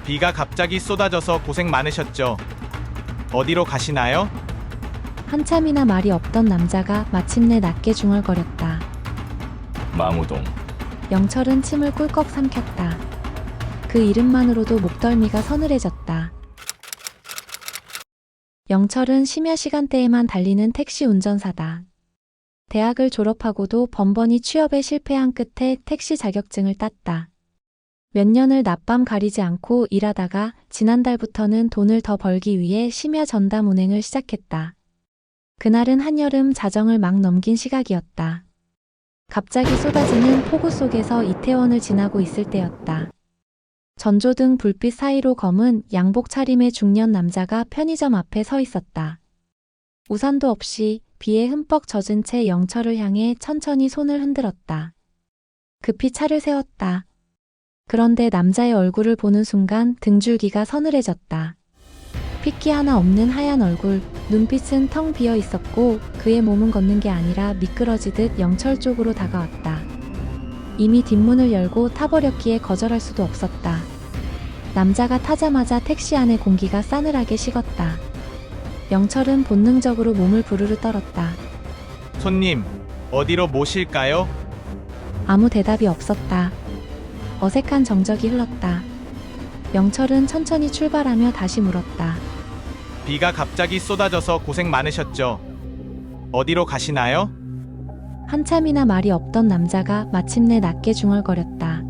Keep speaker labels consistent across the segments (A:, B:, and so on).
A: 비가 갑자기 쏟아져서 고생 많으셨죠? 어디로 가시나요?
B: 한참이나 말이 없던 남자가 마침내 낮게 중얼거렸다.
C: 망우동.
B: 영철은 침을 꿀꺽 삼켰다. 그 이름만으로도 목덜미가 서늘해졌다. 영철은 심야 시간대에만 달리는 택시 운전사다. 대학을 졸업하고도 번번이 취업에 실패한 끝에 택시 자격증을 땄다. 몇 년을 낮밤 가리지 않고 일하다가 지난달부터는 돈을 더 벌기 위해 심야 전담 운행을 시작했다. 그날은 한여름 자정을 막 넘긴 시각이었다. 갑자기 쏟아지는 폭우 속에서 이태원을 지나고 있을 때였다. 전조등 불빛 사이로 검은 양복 차림의 중년 남자가 편의점 앞에 서 있었다. 우산도 없이 비에 흠뻑 젖은 채 영철을 향해 천천히 손을 흔들었다. 급히 차를 세웠다. 그런데 남자의 얼굴을 보는 순간 등줄기가 서늘해졌다. 핏기 하나 없는 하얀 얼굴, 눈빛은 텅 비어 있었고 그의 몸은 걷는 게 아니라 미끄러지듯 영철 쪽으로 다가왔다. 이미 뒷문을 열고 타버렸기에 거절할 수도 없었다. 남자가 타자마자 택시 안의 공기가 싸늘하게 식었다. 영철은 본능적으로 몸을 부르르 떨었다.
A: 손님, 어디로 모실까요?
B: 아무 대답이 없었다. 어색한 정적이 흘렀다. 영철은 천천히 출발하며 다시 물었다.
A: 비가 갑자기 쏟아져서 고생 많으셨죠? 어디로 가시나요?
B: 한참이나 말이 없던 남자가 마침내 낮게 중얼거렸다.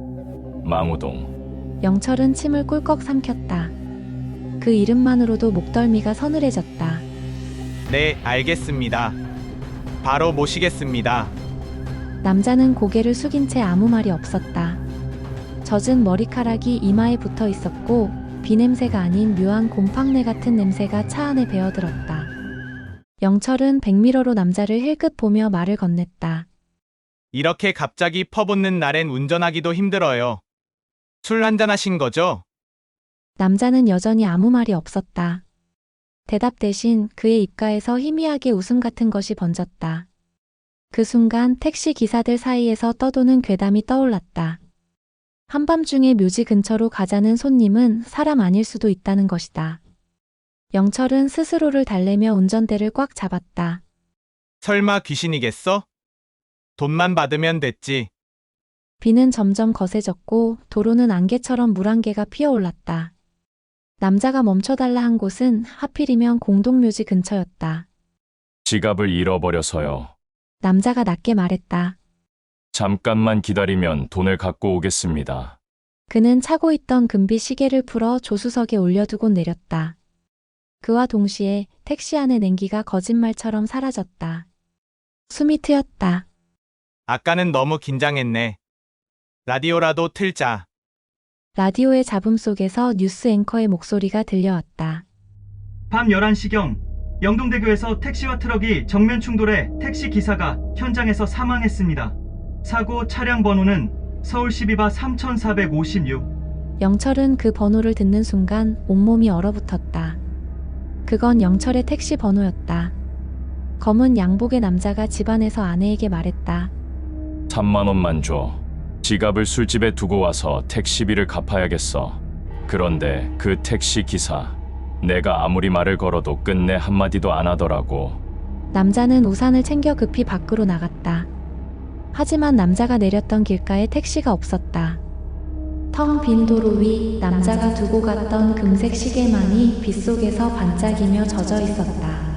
C: 망우동.
B: 영철은 침을 꿀꺽 삼켰다. 그 이름만으로도 목덜미가 서늘해졌다.
A: 네, 알겠습니다. 바로 모시겠습니다.
B: 남자는 고개를 숙인 채 아무 말이 없었다. 젖은 머리카락이 이마에 붙어 있었고 비냄새가 아닌 묘한 곰팡내 같은 냄새가 차 안에 배어들었다. 영철은 백미러로 남자를 힐끗 보며 말을 건넸다.
A: 이렇게 갑자기 퍼붓는 날엔 운전하기도 힘들어요. 술 한잔 하신 거죠?
B: 남자는 여전히 아무 말이 없었다. 대답 대신 그의 입가에서 희미하게 웃음 같은 것이 번졌다. 그 순간 택시 기사들 사이에서 떠도는 괴담이 떠올랐다. 한밤중에 묘지 근처로 가자는 손님은 사람 아닐 수도 있다는 것이다. 영철은 스스로를 달래며 운전대를 꽉 잡았다.
A: 설마 귀신이겠어? 돈만 받으면 됐지.
B: 비는 점점 거세졌고 도로는 안개처럼 물안개가 피어올랐다. 남자가 멈춰달라 한 곳은 하필이면 공동묘지 근처였다.
C: 지갑을 잃어버려서요.
B: 남자가 낮게 말했다.
C: 잠깐만 기다리면 돈을 갖고 오겠습니다.
B: 그는 차고 있던 금비 시계를 풀어 조수석에 올려두고 내렸다. 그와 동시에 택시 안의 냉기가 거짓말처럼 사라졌다. 숨이 트였다.
A: 아까는 너무 긴장했네. 라디오라도 틀자.
B: 라디오의 잡음 속에서 뉴스 앵커의 목소리가 들려왔다.
D: 밤 11시경 영동대교에서 택시와 트럭이 정면 충돌해 택시 기사가 현장에서 사망했습니다. 사고 차량 번호는 서울 12바 3456.
B: 영철은 그 번호를 듣는 순간 온몸이 얼어붙었다. 그건 영철의 택시 번호였다. 검은 양복의 남자가 집안에서 아내에게 말했다.
C: 3만 원만 줘. 지갑을 술집에 두고 와서 택시비를 갚아야겠어. 그런데 그 택시 기사, 내가 아무리 말을 걸어도 끝내 한마디도 안 하더라고.
B: 남자는 우산을 챙겨 급히 밖으로 나갔다. 하지만 남자가 내렸던 길가에 택시가 없었다. 텅 빈 도로 위 남자가 두고 갔던 금색 시계만이 빗속에서 반짝이며 젖어 있었다.